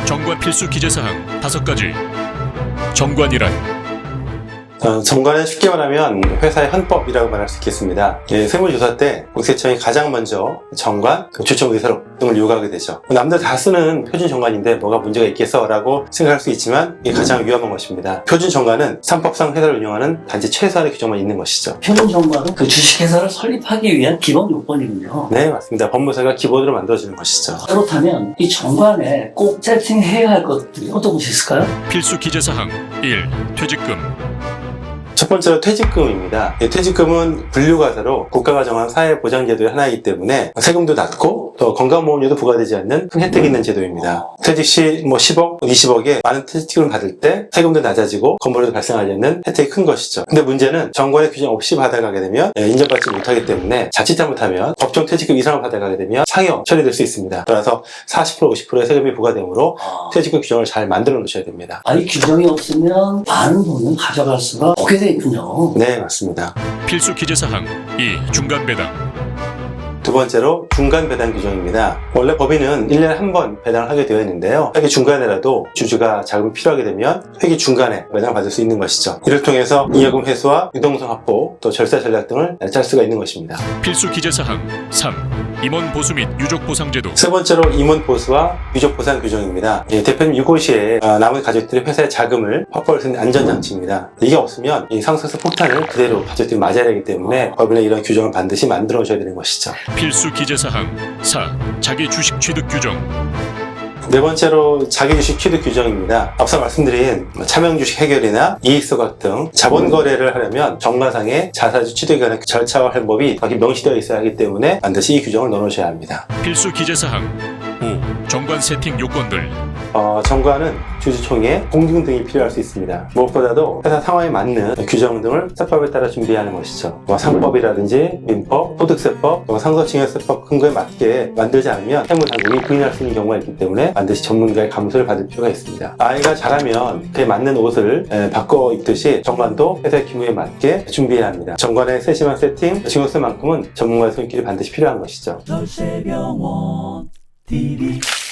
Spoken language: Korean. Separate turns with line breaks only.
정관 필수 기재사항 5가지. 정관이란
정관은 쉽게 말하면 회사의 헌법이라고 말할 수 있겠습니다. 세무조사 때 국세청이 가장 먼저 정관, 주총 의사록 등을 요구하게 되죠. 남들 다 쓰는 표준 정관인데 뭐가 문제가 있겠어? 라고 생각할 수 있지만 이게 가장 위험한 것입니다. 표준 정관은 산법상 회사를 운영하는 단지 최소한의 규정만 있는 것이죠.
표준 정관은 그 주식회사를 설립하기 위한 기본 요건이군요.
네, 맞습니다. 법무사가 기본으로 만들어주는 것이죠.
그렇다면 이 정관에 꼭 세팅해야 할 것들이 어떤 것이 있을까요?
필수 기재사항 1. 퇴직금.
첫 번째로 퇴직금입니다. 퇴직금은 분류과세로 국가가 정한 사회보장제도의 하나이기 때문에 세금도 낮고 또 건강보험료도 부과되지 않는 큰 혜택이 있는 제도입니다. 퇴직 시 10억, 20억에 많은 퇴직금을 받을 때 세금도 낮아지고 건보료도 발생하지 않는 혜택이 큰 것이죠. 근데 문제는 정관의 규정 없이 받아가게 되면 인정받지 못하기 때문에 자칫 잘못하면 법정 퇴직금 이상을 받아가게 되면 상여 처리될 수 있습니다. 따라서 40%, 50%의 세금이 부과되므로 퇴직금 규정을 잘 만들어 놓으셔야 됩니다.
이 규정이 없으면 많은 돈을 가져갈 수가 없게 돼 있군요.
네, 맞습니다.
필수 기재사항 2. 중간 배당.
두 번째로 중간 배당 규정입니다. 원래 법인은 1년에 한 번 배당을 하게 되어 있는데요. 회기 중간에라도 주주가 자금이 필요하게 되면 회기 중간에 배당을 받을 수 있는 것이죠. 이를 통해서 잉여금 회수와 유동성 확보, 또 절세 전략 등을 짤 수가 있는 것입니다.
필수 기재사항 3. 임원 보수 및 유족 보상 제도.
세 번째로 임원 보수와 유족 보상 규정입니다. 대표님 유고 시에 남은 가족들이 회사의 자금을 확보할 수 있는 안전장치입니다. 이게 없으면 이 상속세 폭탄을 그대로 가족들이 맞아야 하기 때문에 법인에 이런 규정을 반드시 만들어 오셔야 되는 것이죠.
필수 기재사항 4. 자기 주식 취득 규정.
네 번째로 자기주식 취득 규정입니다. 앞서 말씀드린 차명주식 해결이나 이익소각 등 자본거래를 하려면 정관상의 자사주 취득에 관한 절차와 방법이 명시되어 있어야 하기 때문에 반드시 이 규정을 넣어놓으셔야 합니다.
필수 기재사항 5. 정관 세팅 요건들.
정관은 주주총회, 공증 등이 필요할 수 있습니다. 무엇보다도 회사 상황에 맞는 규정 등을 세법에 따라 준비하는 것이죠. 상법이라든지 민법, 소득세법, 상속증여세법 근거에 맞게 만들지 않으면 세무당국이 부인할 수 있는 경우가 있기 때문에 반드시 전문가의 감수를 받을 필요가 있습니다. 아이가 자라면 그에 맞는 옷을 바꿔 입듯이 정관도 회사의 규모에 맞게 준비해야 합니다. 정관의 세심한 세팅, 증여세만큼은 전문가의 손길이 반드시 필요한 것이죠.
열쇠병원 TV